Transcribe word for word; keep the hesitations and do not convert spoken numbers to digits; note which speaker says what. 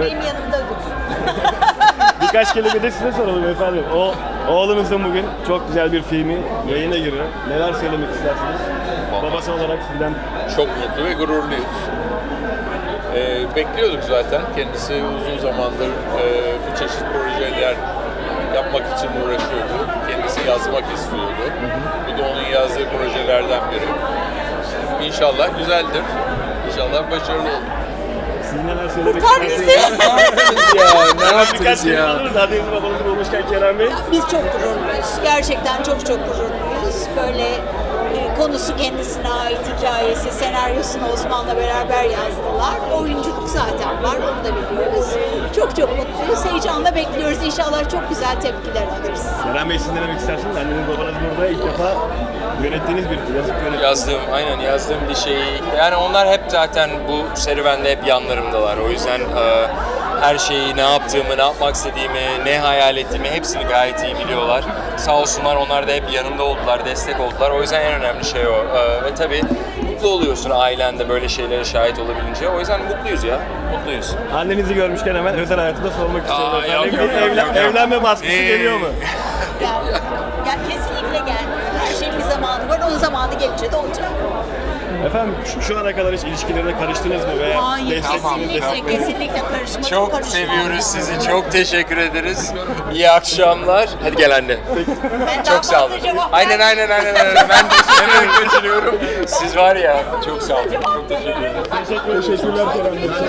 Speaker 1: Evet.
Speaker 2: Benim yanımda dur.
Speaker 1: Birkaç kelime de size soralım efendim. O oğlunuzun bugün çok güzel bir filmi yayına giriyor. Neler söylemek istersiniz? Babası olarak sizden.
Speaker 3: Çok mutlu ve gururluyuz. Ee, bekliyorduk zaten. Kendisi uzun zamandır e, bu çeşit projeler yapmak için uğraşıyordu. Kendisi yazmak istiyordu. Bu da onun yazdığı projelerden biri. İnşallah güzeldir. İnşallah başarılı olur.
Speaker 1: Siz neler söylemek
Speaker 2: Kurtar
Speaker 1: istersiniz?
Speaker 2: bizi.
Speaker 4: ya ne
Speaker 1: Birkaç
Speaker 4: yaptınız
Speaker 1: kelime
Speaker 4: ya?
Speaker 1: alırız. Annenizi babanızı bulmuşken Kerem Bey.
Speaker 2: Biz çok gururluyuz. Gerçekten çok çok gururluyuz. Böyle e, konusu kendisine ait hikayesi, senaryosunu Osman'la beraber yazdılar. Oyunculuk zaten var, onu da biliyoruz. Çok çok mutluyuz. Heyecanla bekliyoruz. İnşallah çok güzel tepkiler alırız.
Speaker 1: Kerem Bey siz ne demek istersiniz? Anneniz babanız burada ilk defa yönettiğiniz bir yazıp yönettiğiniz.
Speaker 4: Yazdığım, aynen yazdığım bir şeyi. Yani onlar hep zaten bu serüvende hep yanlarımdalar. O yüzden e, her şeyi, ne yaptığımı, ne yapmak istediğimi, ne hayal ettiğimi hepsini gayet iyi biliyorlar. Sağ olsunlar, onlar da hep yanımda oldular, destek oldular. O yüzden en önemli şey o. E, ve tabii mutlu oluyorsun ailende böyle şeylere şahit olabilince. O yüzden mutluyuz ya, mutluyuz.
Speaker 1: Annenizi görmüşken hemen özel hayatında sormak istiyorum.
Speaker 4: Aa,
Speaker 1: Efendim,
Speaker 4: yok, yok,
Speaker 1: bir evlen-
Speaker 4: yok, yok.
Speaker 1: evlenme baskısı
Speaker 4: Ee,
Speaker 1: geliyor mu?
Speaker 2: Gel, gel kesinlikle gel. Her şeyin bir zamanı var. Onun zamanı gelince de olacak.
Speaker 1: Efendim şu, şu ana kadar hiç ilişkilerine karıştınız mı veya
Speaker 2: Hayır,
Speaker 1: desteksiniz
Speaker 2: kesinlikle,
Speaker 1: destek-
Speaker 2: kesinlikle karışmadım.
Speaker 4: Çok
Speaker 2: karışmam.
Speaker 4: seviyoruz sizi, çok teşekkür ederiz. İyi akşamlar. Hadi gel anne.
Speaker 2: Ben daha
Speaker 4: Çok sağ olun.
Speaker 2: fazla cevap
Speaker 4: Aynen
Speaker 2: vermeyeyim.
Speaker 4: aynen aynen aynen. Ben de hemen kaçırıyorum. Siz var ya, çok sağ olun. Çok teşekkür ederim.
Speaker 1: Teşekkür, teşekkürler Kerem Bey.